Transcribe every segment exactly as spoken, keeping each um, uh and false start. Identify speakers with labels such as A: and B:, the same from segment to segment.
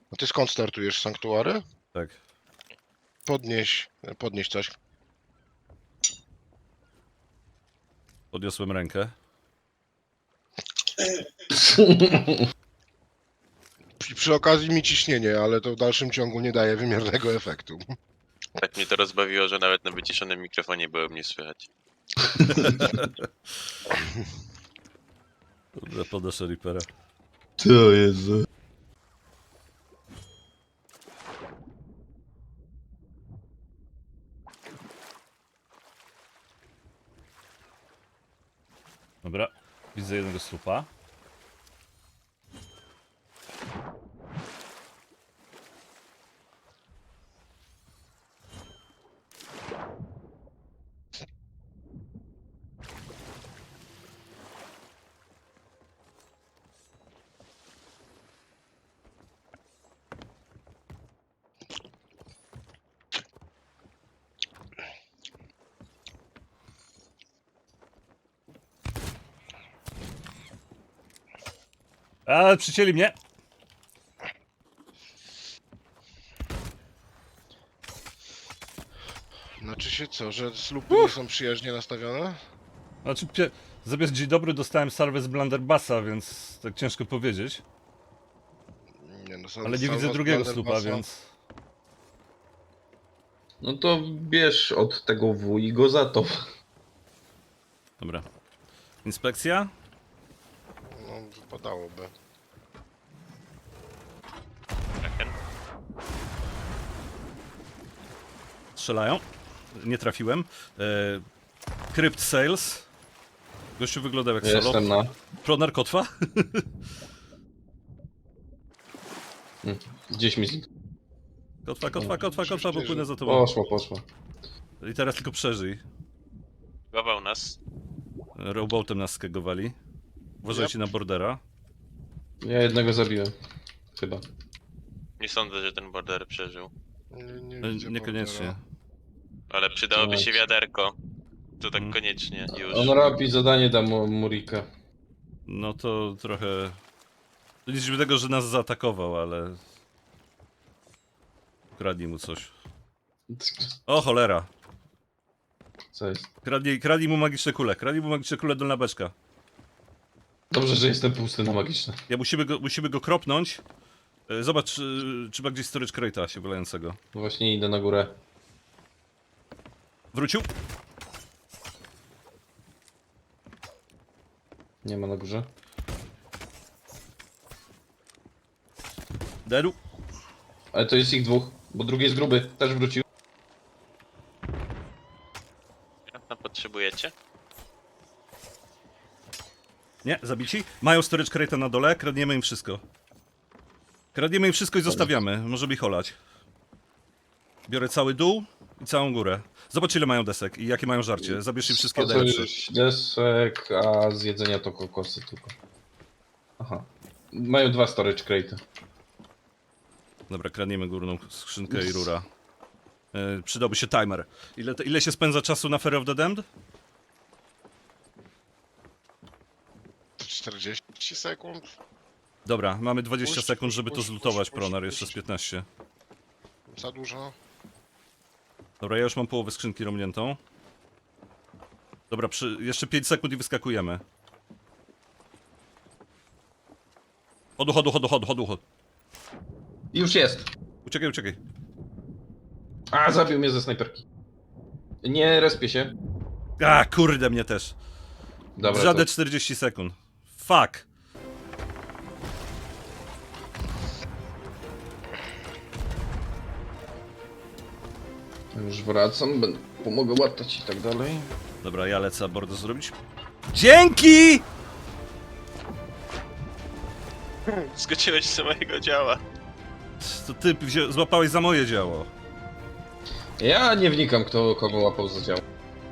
A: A ty skąd startujesz? Sanktuary?
B: Tak.
A: Podnieś, podnieś coś.
B: Podniosłem rękę.
A: Przy, przy okazji mi ciśnienie, ale to w dalszym ciągu nie daje wymiernego efektu.
C: Tak mnie to rozbawiło, że nawet na wyciszonym mikrofonie było mnie słychać.
B: Dobra, podnoszę Reapera.
D: To Jezu.
B: Dobra, widzę jednego słupa. A, przycięli mnie!
A: Znaczy się co, że slupy nie są przyjaźnie nastawione?
B: Znaczy, pie... zamiast dzień dobry dostałem salwę z Blunderbassa, więc tak ciężko powiedzieć.
A: Nie, no, są
B: Ale nie
A: salwa
B: widzę
A: z
B: drugiego słupa,
A: Blunderbassa.
B: więc...
D: No to bierz od tego W i go za to.
B: Dobra. Inspekcja?
A: No, wypadałoby.
C: Kraken.
B: Strzelają. Nie trafiłem. E... Crypt Sales. Gościu wyglądał jak solo.
D: Jestem na...
B: Pronar kotwa?
D: Hmm. Gdzieś mi zniknął.
B: Kotwa, kotwa, kotwa, kotwa, bo płynę za tobą.
D: Poszło, poszło.
B: I teraz tylko przeżyj.
C: Gował nas.
B: Rowboatem nas skegowali. Uważajcie na bordera.
D: Ja jednego zabiłem. Chyba.
C: Nie sądzę, że ten border przeżył.
A: Nie, nie
B: E,
A: widzę
B: Niekoniecznie.
A: bordera.
C: Ale przydałoby się
D: Tak.
C: wiaderko. To tak
B: Mm.
C: koniecznie, już.
D: On robi zadanie da mu Murika.
B: No to trochę... To nic dziwnego, że nas zaatakował, ale... Kradnij mu coś. O cholera!
D: Co jest?
B: Kradnij, kradnij mu magiczne kule, kradnij mu magiczne kule, dolna beczka.
D: Dobrze, że jestem pusty na magiczne.
B: Ja musimy go, musimy go kropnąć. E, Zobacz, czy, czy ma gdzieś storage crate'a się wylającego.
D: Właśnie idę na górę.
B: Wrócił?
D: Nie ma na górze.
B: Dedu.
D: Ale to jest ich dwóch, bo drugi jest gruby. Też wrócił.
C: No, potrzebujecie?
B: Nie, zabici. Mają storage crate'a na dole, kradniemy im wszystko. Kradniemy im wszystko i zostawiamy, możemy ich olać. Biorę cały dół i całą górę. Zobacz ile mają desek i jakie mają żarcie. Zabierz im wszystkie
D: Po co
B: najlepsze.
D: już desek, a z jedzenia to kokosy tylko. Aha. Mają dwa storage crate.
B: Dobra, kradniemy górną skrzynkę i rura. E, przydałby się timer. Ile, to, ile się spędza czasu na Fear of the Damned?
A: czterdzieści sekund?
B: Dobra, mamy dwadzieścia
A: Puść,
B: sekund,
A: puść,
B: żeby to
A: puść,
B: zlutować,
A: puść,
B: Pronar,
A: puść.
B: jeszcze z piętnaście.
A: Za dużo?
B: Dobra, ja już mam połowę skrzynki romniętą. Dobra, przy, jeszcze pięć sekund i wyskakujemy. Chodu, chodu, chodu, chodu, chodu, chodu.
D: Już jest.
B: Uciekaj, uciekaj.
D: A, zabił mnie ze snajperki. Nie respię się.
B: A, kurde, mnie też.
D: Dobra,
B: Żadne
D: to...
B: czterdzieści sekund. Fuck.
D: Już wracam, będę... pomogę łatać i tak dalej.
B: Dobra, ja lecę abordo zrobić. Dzięki!
C: Skoczyłeś z mojego działa.
B: To ty wzią- złapałeś za moje działo.
D: Ja nie wnikam, kto kogo łapał za działo.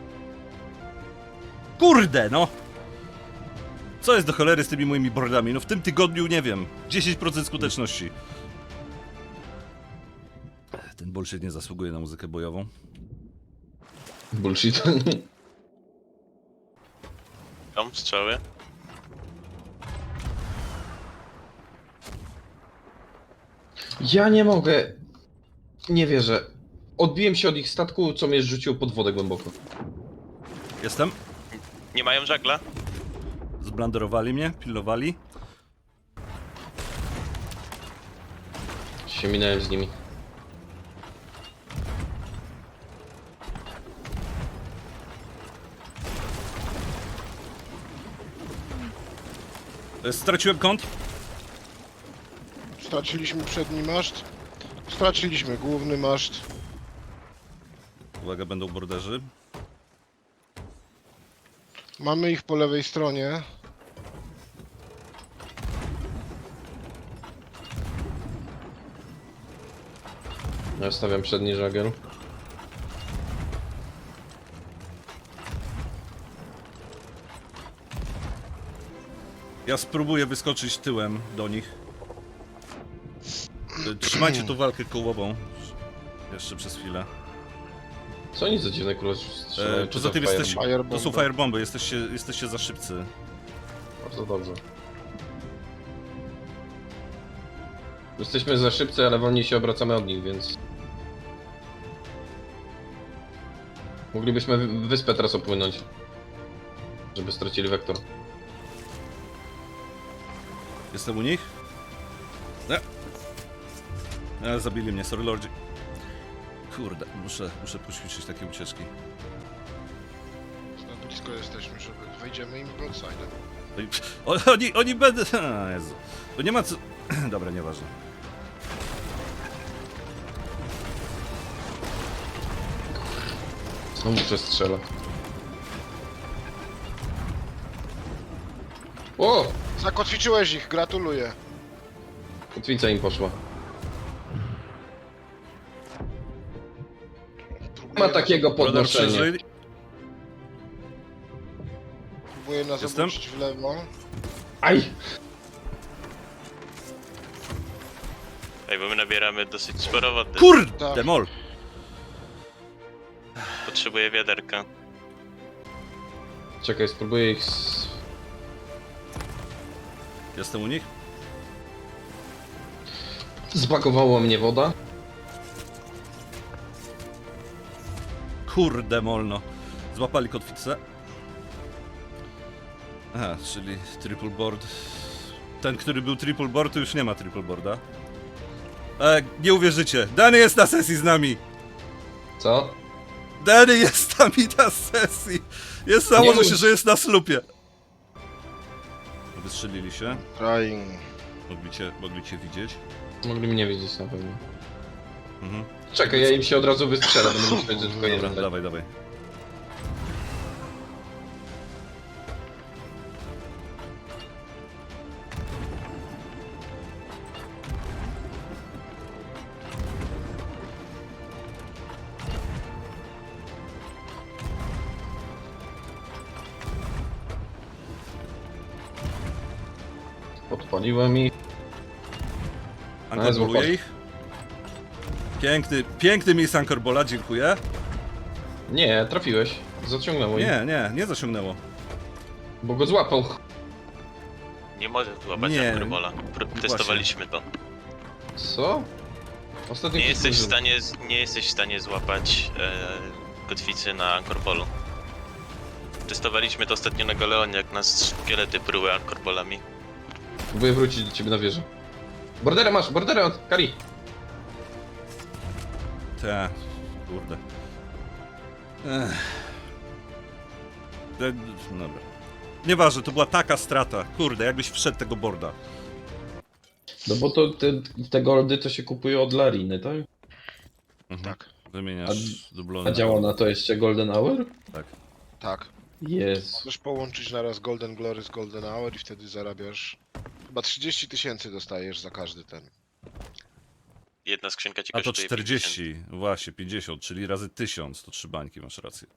B: Kurde, no! Co jest do cholery z tymi moimi bordami? No w tym tygodniu, nie wiem, dziesięć procent skuteczności. Ten bullshit nie zasługuje na muzykę bojową.
D: Bullshit.
C: Tam strzały.
D: Ja nie mogę. Nie wierzę. Odbiłem się od ich statku, co mnie rzuciło pod wodę głęboko.
B: Jestem.
C: Nie mają żagla?
B: Zblanderowali mnie, pilnowali.
D: Się minąłem z nimi.
B: E, Straciłem kąt.
A: Straciliśmy przedni maszt. Straciliśmy główny maszt.
B: Uwaga, będą borderzy.
A: Mamy ich po lewej stronie.
D: Ja stawiam przedni żagiel.
B: Ja spróbuję wyskoczyć tyłem do nich. E, Trzymajcie tu walkę kołową. Jeszcze przez chwilę.
D: Co oni za dziwne kurwa strzelają?
B: E,
D: Czy
B: poza
D: to
B: tym
D: fire-
B: jesteście,
A: Firebomby.
B: to są firebomby, jesteście, jesteście za szybcy.
D: Bardzo dobrze. Jesteśmy za szybcy, ale wolniej się obracamy od nich, więc... Moglibyśmy wy- wyspę teraz opłynąć. Żeby stracili wektor.
B: Jestem u nich? Nie. E, zabili mnie, sorry lordzi. Kurde, muszę, muszę poćwiczyć takie ucieczki.
A: Na blisko jesteśmy, żeby wejdziemy im broadside'em.
B: Oni, o- oni, oni będą... A, Jezu. To nie ma co... Dobra, nieważne.
D: Znowu przestrzela. O!
A: Zakotwiczyłeś ich, gratuluję.
D: Kotwica im poszła.
A: Próbuję
D: Ma takiego
A: nas,
B: Brodar
D: podnoszenia.
B: przeżyli.
A: próbuję nas
B: Jestem.
A: obrócić w lewo.
D: Aj!
C: Ej, bo my nabieramy dosyć sporo wody.
B: Kurde,
A: Tak.
B: mol.
C: Potrzebuję wiaderka.
D: Czekaj, spróbuję ich... S...
B: Jestem u nich?
D: Zbagowała mnie woda.
B: Kurde, molno. Złapali kotwicę. Aha, czyli triple board. Ten, który był triple board, to już nie ma triple boarda. E, nie uwierzycie. Danny jest na sesji z nami.
D: Co?
B: Danny jest z nami na sesji. Jest założę
D: Nie
B: się,
D: mów.
B: że jest na slupie. Wystrzelili się.
A: Trying.
B: Mogli cię, mogli cię widzieć.
D: Mogli mnie widzieć na pewno.
B: Mhm.
D: Czekaj, ja im się od razu wystrzelę, będę myśleć, że tylko
B: Dobra,
D: jeden.
B: dawaj, dawaj.
D: Podpaliłem ich.
B: Ankorboluje
D: złapali.
B: ich. Piękny, piękny miejsc Ankorbola, dziękuję.
D: Nie, trafiłeś. Zaciągnęło ich.
B: Nie, nie, nie zasiągnęło.
D: Bo go złapał.
C: Nie może złapać
B: Nie.
C: Ankorbola. Testowaliśmy to.
D: Co? Ostatnio
C: Nie
D: ktoś
C: jesteś w
D: użył.
C: stanie, nie jesteś w stanie złapać e, kotwicy na Ankorpolu. Testowaliśmy to ostatnio na Galeonie, jak nas szkielety pruły Ankorpolami.
D: Próbuję wrócić do ciebie na wieżę. Borderę masz, borderę od Kari.
B: Te, kurde. Ech. Te, dobra. Nieważne, to była taka strata. Kurde, jakbyś wszedł tego borda.
D: No bo to te, te goldy to się kupuje od Lariny, tak?
B: Mhm.
A: Tak,
B: Wymieniasz dublony.
D: A działa na to jeszcze Golden Hour?
B: Tak.
A: tak.
D: Jest.
A: Możesz połączyć naraz Golden Glory z Golden Hour i wtedy zarabiasz... Chyba trzydzieści tysięcy dostajesz za każdy ten.
C: Jedna skrzynka ci
B: A to
C: kosztuje
B: czterdzieści, właśnie, pięćdziesiąt, czyli razy tysiąc, to trzy bańki, masz rację.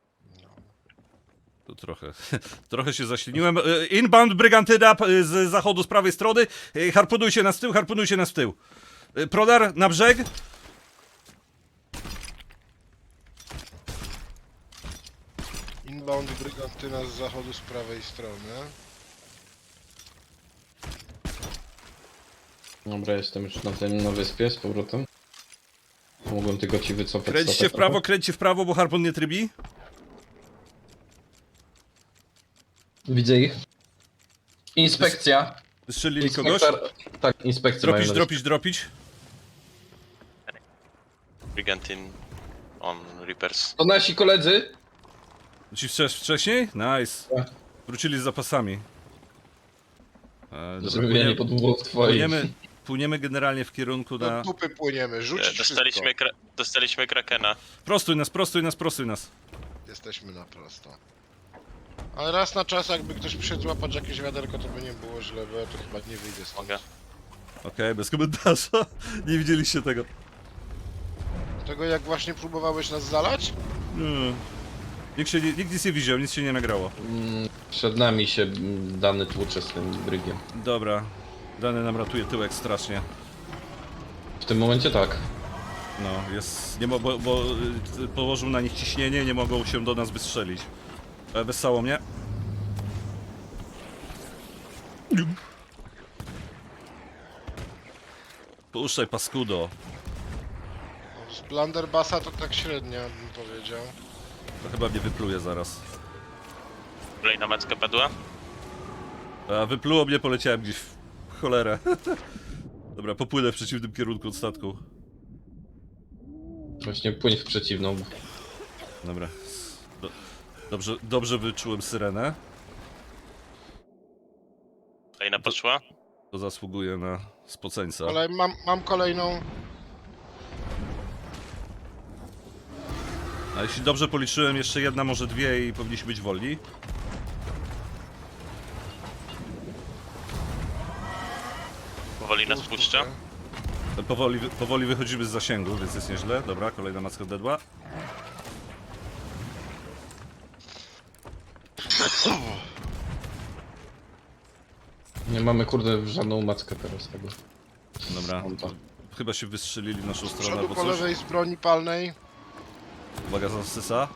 B: To trochę, trochę się zaśliniłem. E, Inbound Brygantyna e, z zachodu, z prawej strony. E, Harpunujcie nas w tył, harpunujcie nas w tył. E, Prodar, na brzeg.
A: Inbound Brygantyna z zachodu z prawej strony.
D: Dobra, jestem już na tym, na wyspie z powrotem. Mogłem tylko ci wycofać
B: Kręćcie
D: statek
B: w prawo,
D: trochę.
B: kręćcie w prawo, bo harpun nie trybi.
D: Widzę ich. Inspekcja.
B: Wystrzelili kogoś.
D: Inspektor... Tak, inspekcja mają
B: Dropić,
D: na
B: dropić, dropić.
C: Brigantine on Reapers.
D: To nasi koledzy.
B: Ci wcześ- wcześniej? Nice.
D: Tak.
B: Wrócili z zapasami. E, dobra,
D: Zrobienie
B: płyniemy,
D: pod dwóch twoich.
B: płyniemy, płyniemy generalnie w kierunku
A: Do
B: na...
A: dupy płyniemy,
C: E,
A: rzucić
C: Dostaliśmy, kra dostaliśmy Krakena.
B: Prostuj nas, prostuj nas, prostuj nas.
A: wszystko. Jesteśmy na prosto. Ale raz na czas, jakby ktoś przyszedł złapać jakieś wiaderko, to by nie było źle, bo ja to chyba nie wyjdę stąd.
C: Mogę.
B: Okej, bez komentarza. Nie widzieliście tego.
A: Tego jak właśnie próbowałeś nas zalać?
B: Nie. Nikt, się nie, nikt nic nie widział, nic się nie nagrało.
D: Mm, Przed nami się mm, dany tłucze z tym brygiem.
B: Dobra. Dany nam ratuje tyłek strasznie.
D: W tym momencie tak.
B: No, jest... Nie mo, bo, bo y, położył na nich ciśnienie, nie mogą się do nas wystrzelić. E, Wesało mnie. Puszczaj, paskudo.
A: No, z Blunderbassa to tak średnio bym powiedział.
B: To chyba mnie wypluje zaraz.
C: Kolejna macka padła.
B: A wypluło mnie, poleciałem gdzieś w cholerę. Dobra, popłynę w przeciwnym kierunku od statku.
D: Właśnie płyń w przeciwną.
B: Dobra. Do, dobrze, dobrze wyczułem syrenę.
C: Kolejna poszła.
B: To zasługuje na spoceńca.
A: Ale mam, mam kolejną.
B: A jeśli dobrze policzyłem, jeszcze jedna, może dwie i powinniśmy być wolni.
C: Powoli nas puszcza.
B: Powoli, powoli wychodzimy z zasięgu, więc jest nieźle. Dobra, kolejna macka dedła.
D: Nie mamy kurde żadną mackę teraz tego.
B: Dobra.
D: Konta.
B: Chyba się wystrzelili w naszą
A: Z
B: stronę
A: przodu
B: albo
A: po
B: coś.
A: lewej z broni palnej.
B: Uwaga, zasysa.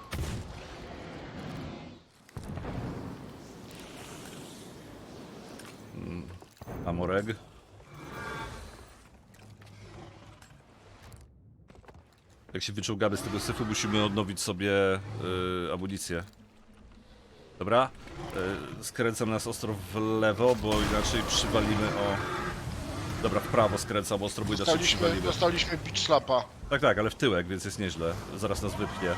B: Mm, Amoreg. Jak się wyczołgamy z tego syfu, musimy odnowić sobie yy, amunicję. Dobra? Yy, skręcam nas ostro w lewo, bo inaczej przywalimy o... Dobra, w prawo skręcam ostro, bo inaczej
A: Dostaliśmy,
B: przywalimy.
A: dostaliśmy beach slapa.
B: Tak, tak, ale w tyłek, więc jest nieźle. Zaraz nas wypchnie.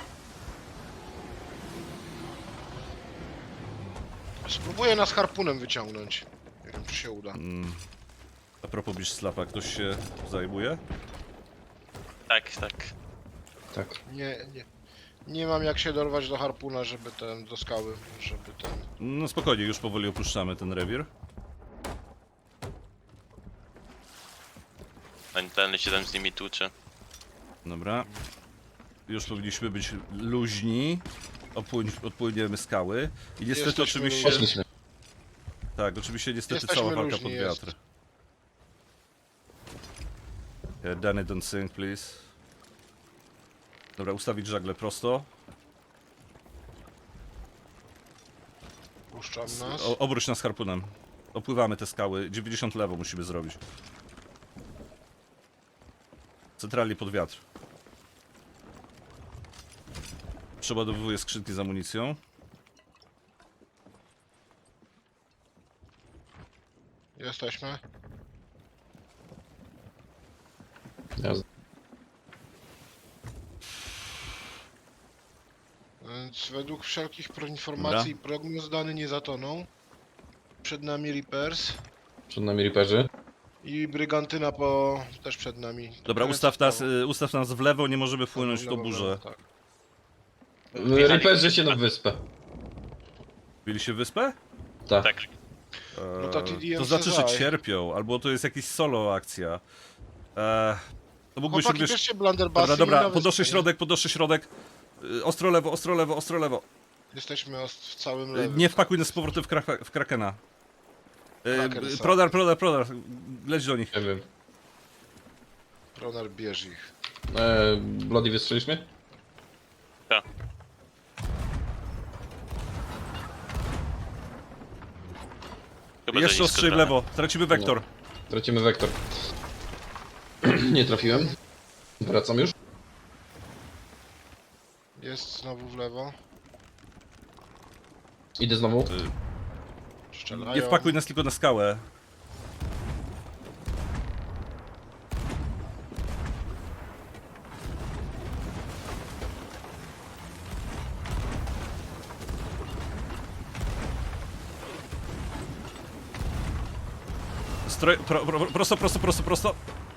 A: Spróbuję nas harpunem wyciągnąć. Nie wiem, czy się uda.
B: Mm. A propos Beach Slapa, ktoś się zajmuje?
C: Tak, tak.
D: Tak.
A: Nie, nie. Nie mam jak się dorwać do harpuna, żeby ten, do skały, żeby ten...
B: No spokojnie, już powoli opuszczamy ten rewir.
C: Ten, ten się tam z nimi tłucze.
B: Dobra. Już powinniśmy być luźni. Opłyń, odpłyniemy skały. I niestety
A: Jesteśmy
B: oczywiście...
A: luźni.
D: Poszliśmy.
B: Tak, oczywiście niestety
A: Jesteśmy
B: cała walka
A: luźni,
B: pod
A: jest.
B: wiatr. Yeah, Danny, don't sink, please. Dobra, ustawić żagle prosto.
A: Puszczam nas.
B: O, obróć nas harpunem. Opływamy te skały. dziewięćdziesiąt lewo musimy zrobić. Centralnie pod wiatr. Przeładowuję skrzynki z amunicją.
A: Jesteśmy.
D: Jazda.
A: Więc według wszelkich pro- informacji i prognoz dany nie zatoną. Przed nami Reapers.
D: Przed nami Reaperzy.
A: I Brygantyna po... też przed nami.
B: Dobra,
A: Kręcę
B: ustaw
A: w prawo.
B: nas, y, ustaw nas w lewo, nie możemy wpłynąć w tą
A: Lewo,
B: burzę.
A: lewo, tak.
D: Reaperzy się na wyspę.
B: Bili się wyspę?
D: Tak.
C: Tak.
B: Eee,
A: No to T D M
B: to znaczy, że
A: Cezaj.
B: cierpią, albo to jest jakaś solo akcja. Eee, to mógłbyś
A: Chłopaki,
B: wiesz...
A: bierzcie Blunderbussy
B: Dobra,
A: i
B: dobra,
A: na
B: podnoszę
A: wyspę, nie?
B: środek, podnoszę środek. Y, Ostro lewo, ostro lewo, ostro lewo.
A: Jesteśmy os- w całym
B: Y,
A: lewym.
B: Nie wpakuj nas z powrotem w, kraka- w Krakena. Y,
A: Kraken
B: y,
A: sam.
B: Prodar, prodar, prodar. Leć do nich.
D: Nie wiem.
A: Pronar bierz ich.
D: E, Bloody wystrzeliśmy?
C: Tak. Chyba, że
B: Jeszcze
C: nisko
B: ostrzej w
C: trochę.
B: lewo, tracimy wektor.
D: Tracimy wektor. Nie trafiłem. Wracam już.
A: Jest znowu w lewo.
D: Idę znowu.
A: Strzelają.
B: Nie wpakuj nas tylko na skałę. Stroj... Pro, pro, prosto, prosto, prosto, prosto.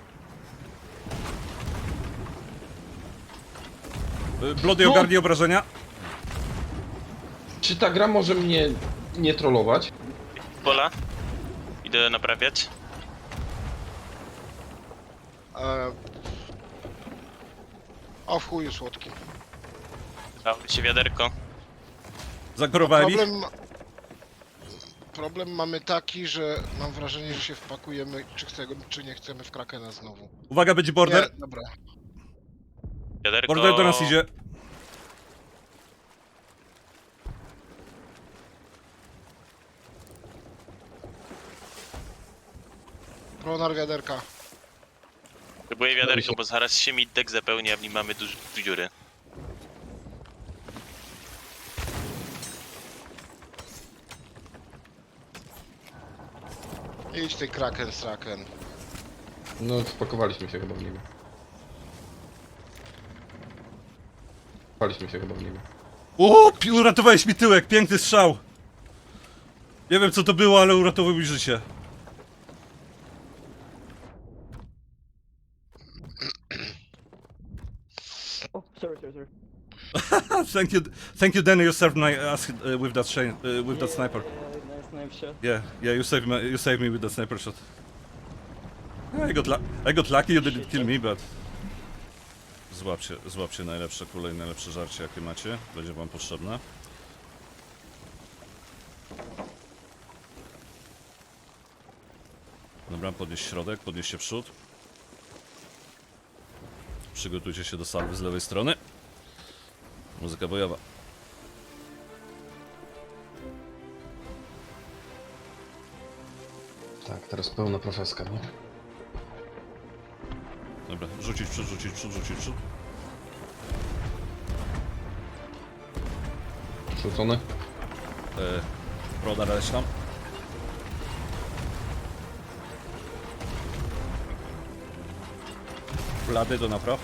B: Y, Blody,
D: No.
B: ogarnij obrażenia.
D: Czy ta gra może mnie nie trollować?
C: Pola. Idę naprawiać.
A: E... O w chuju słodki.
C: Dało mi się wiaderko.
B: Zakorowałem ich.
A: Problem... Problem mamy taki, że mam wrażenie, że się wpakujemy, czy chcemy, czy nie chcemy w Krakena znowu.
B: Uwaga, będzie border.
A: Nie, dobra.
C: Wiaderko...
B: Border do nas idzie.
A: Pronar wiaderka.
C: Próbuję wiaderko, bo zaraz się mi dek zapełni, a w nim mamy duże dziury.
A: Idź ty Kraken, Straken.
D: No, wpakowaliśmy się chyba w niego. Wpakowaliśmy się chyba w niego.
B: O, pi- uratowałeś mi tyłek, piękny strzał. Nie wiem co to było, ale uratował mi życie.
E: Oh, sorry, sorry, sorry.
B: Thank you, thank you, Danny. You saved my ass uh, with that chain, uh, with that
E: Yeah,
B: sniper.
E: Yeah, nice knife shot.
B: Yeah, yeah. You saved me. You saved me with that sniper shot. I got, lu- I got lucky. You didn't kill me, but. Złapcie, złapcie najlepsze kule i najlepsze żarcie, jakie macie. Będzie wam potrzebne. Dobra, podnieś środek, podnieście przód. Przygotujcie się do salwy z lewej strony. Muzyka bojowa.
D: Tak, teraz pełna profeska, nie?
B: Dobra, rzucić przód, rzucić przód, rzucić przód.
D: Rzucony.
B: E, Broda leć tam. Blady do napraw.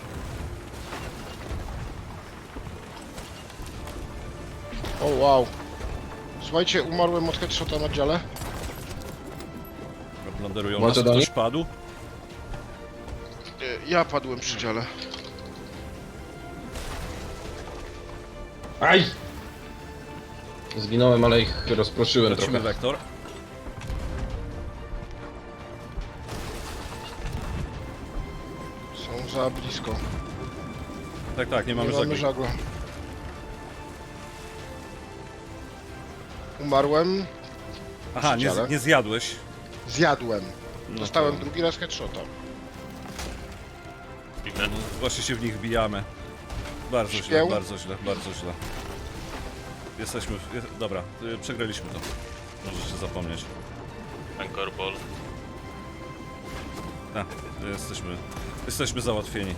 A: O wow. Słuchajcie, umarłem od headshota na dziale.
B: Dobra, Blonderują
D: Macie
B: nas,
D: do
B: ktoś
D: nich?
B: padł.
A: E, Ja padłem przy dziale.
D: Aj! Zginąłem, ale ich rozproszyłem
B: Lecimy
D: trochę.
B: wektor.
A: Są za blisko.
B: Tak, tak, nie mamy
A: Nie mamy
B: żagli.
A: żagla. Umarłem.
B: Aha, nie,
A: dziale.
B: z- nie zjadłeś.
A: Zjadłem.
B: No
A: Dostałem
B: to-
A: drugi raz headshota.
C: Widzę.
B: Właśnie się w nich bijamy. Bardzo źle,
A: Śpieł?
B: bardzo źle, bardzo źle. Jesteśmy... w- je- Dobra, y, przegraliśmy to. Możesz się zapomnieć.
C: Anchor Ball.
B: A, jesteśmy... Jesteśmy załatwieni.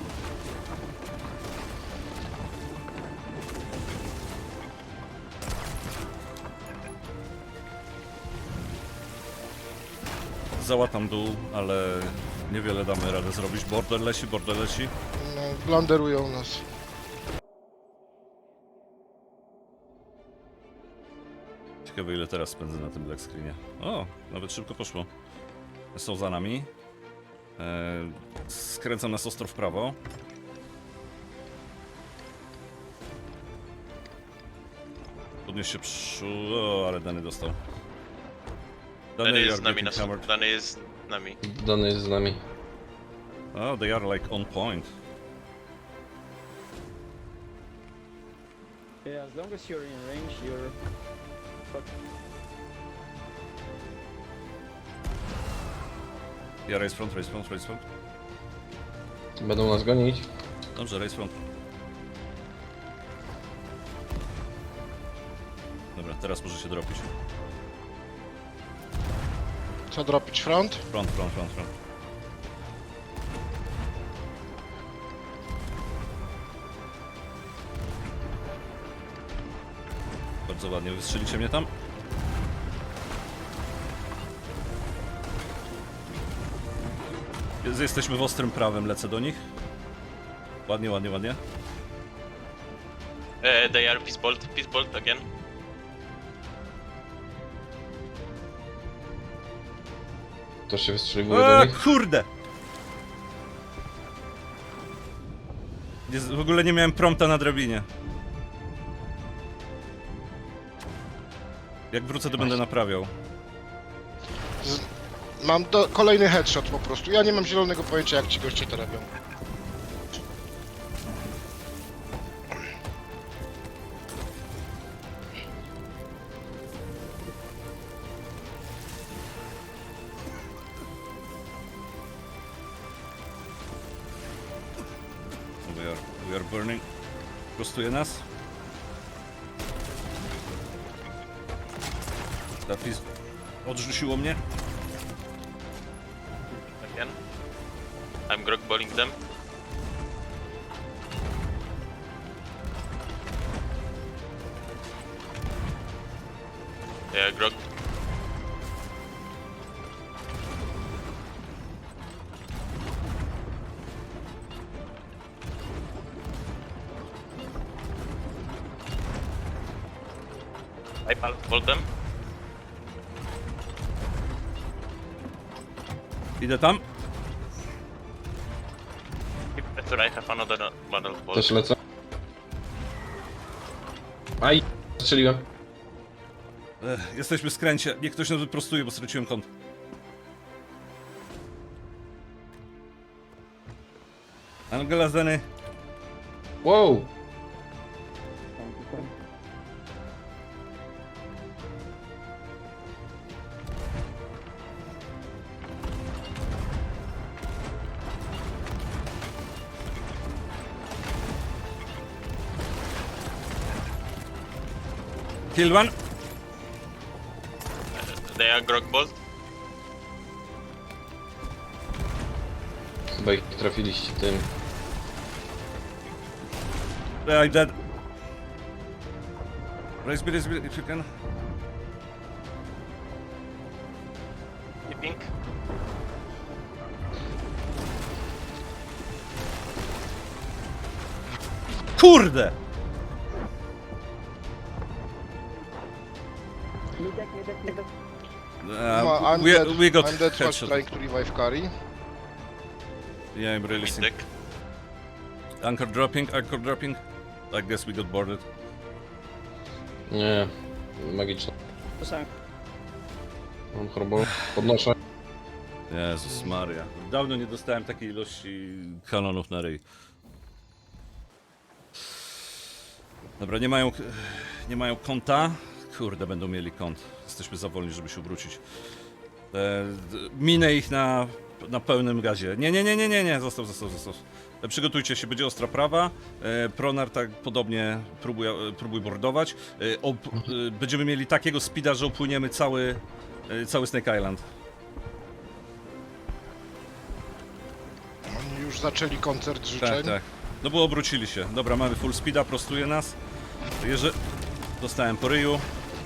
B: Załatam dół, ale niewiele damy radę zrobić. Border leci, border leci.
A: No, blanderują nas.
B: Ciekawe ile teraz spędzę na tym black screenie. O, nawet szybko poszło. Są za nami. Eee, skręcam nas ostro w prawo. Podnieś się przy... O, ale Dany dostał.
C: Dany
B: you
C: jest
B: are
C: z nami na
B: getting
C: sobie.
B: hammered.
C: Dany jest z nami.
D: Dany jest z nami.
B: Oh, they are like on point.
E: Yeah, as long as you're in range, you're fucked.
B: Ja race front, race front, race front.
D: Będą nas gonić.
B: Dobrze, race front. Dobra, teraz może się dropić.
A: Co dropić front?
B: Front, front, front, front. Bardzo ładnie, wystrzelicie mnie tam? Jest- Jesteśmy w ostrym prawem, lecę do nich. Ładnie, ładnie, ładnie.
C: E, they are peace bolt, peace bolt again.
D: To się wystrzeliwuje do
B: A,
D: nich.
B: kurde! Nie, w ogóle nie miałem prompta na drabinie. Jak wrócę, to będę naprawiał.
A: Z... Mam do... kolejny headshot po prostu. Ja nie mam zielonego pojęcia, jak ci goście to robią.
B: We are, we are burning. Prostuje nas. Tapis odrzuciło mnie.
C: Again. I'm grog balling them. They are grog. I pal- bolt them.
B: Idę tam.
C: Keep pressure, I have another model bolt.
D: Też lecę. Aj, strzeliłem.
B: Ech, jesteśmy w skręcie. Niech ktoś nas wyprostuje, bo straciłem kąt. Angela Zeny.
D: Wow!
B: Kill one.
C: They are grog bolt.
D: Chyba ich trafiliście tym.
B: I dead. Raise me, raise me if you can.
C: Keeping.
B: Kurde!
E: Midek, midek, midek.
B: Uh,
A: I'm
B: we,
A: dead.
B: we got
A: I'm dead while
B: headshot.
A: trying to revive carry.
B: Yeah, I'm releasing.
C: Deck.
B: Anchor dropping, anchor dropping. I guess we got boarded.
D: Nie, magiczne.
E: Sam.
D: Mam chorobę. Podnoszę.
B: Jezus Maria. Dawno nie dostałem takiej ilości kanonów na ryj. Dobra, nie mają, nie mają konta. Kurde, będą mieli kąt. Jesteśmy za wolni, żeby się obrócić. E, d- minę ich na, na pełnym gazie. Nie, nie, nie, nie, nie, nie, zostaw, zostaw, zostaw. E, przygotujcie się, będzie ostra prawa. E, Pronar tak podobnie próbuj, e, próbuj bordować. E, op, e, będziemy mieli takiego speeda, że upłyniemy cały, e, cały Snake Island.
A: Oni już zaczęli koncert życzeń.
B: Tak, tak. No bo obrócili się. Dobra, mamy full speeda, prostuje nas. Jerzy... Dostałem po ryju.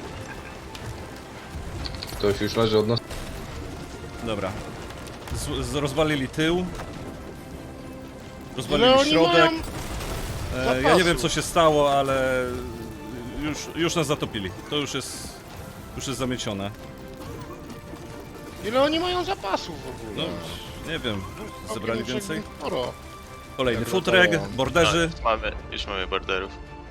D: Ktoś już leży od nas.
B: Dobra. Z, z, rozwalili tył.
A: Ile
B: Rozwalili
A: oni
B: środek.
A: mają
B: E, ja nie
A: zapasu?
B: wiem co się stało, ale już, już nas zatopili. To już jest już jest zamiecione.
A: Ile oni mają zapasów w
B: No,
A: ogóle?
B: nie wiem. Zebrali
A: Całkiem
B: więcej?
A: Sporo.
B: Kolejny
A: Jak
B: futreg,
A: latało.
B: borderzy.
C: No, już mamy, już mamy borderów.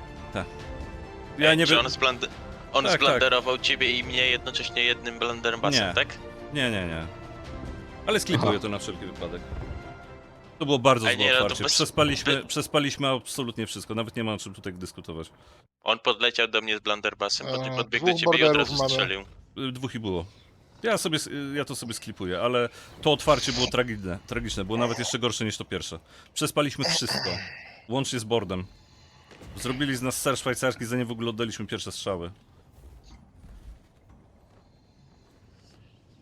B: Ja nie
C: Czy
B: wiem.
C: on, splande- on
B: Tak,
C: splanderował ciebie i mnie jednocześnie jednym blunderbussem,
B: Nie.
C: tak?
B: Nie, nie, nie. Ale sklipuję
D: Aha.
B: to na wszelki wypadek. To było bardzo
C: A
B: złe
C: nie, no to
B: otwarcie.
C: bez-
B: Przespaliśmy,
C: by-
B: przespaliśmy absolutnie wszystko. Nawet nie ma o czym tutaj dyskutować.
C: On podleciał do mnie z blunderbussem, pod,
A: A,
C: podbiegł do
A: dwóch
C: ciebie i od
A: borderów
C: razu
A: mamy.
C: strzelił.
B: Y, Dwóch i było. Ja sobie, s- y, ja to sobie sklipuję, ale to otwarcie było tragiczne, tragiczne, było nawet jeszcze gorsze niż to pierwsze. Przespaliśmy wszystko, łącznie z boardem. Zrobili z nas ser szwajcarski, zanim w ogóle oddaliśmy pierwsze strzały.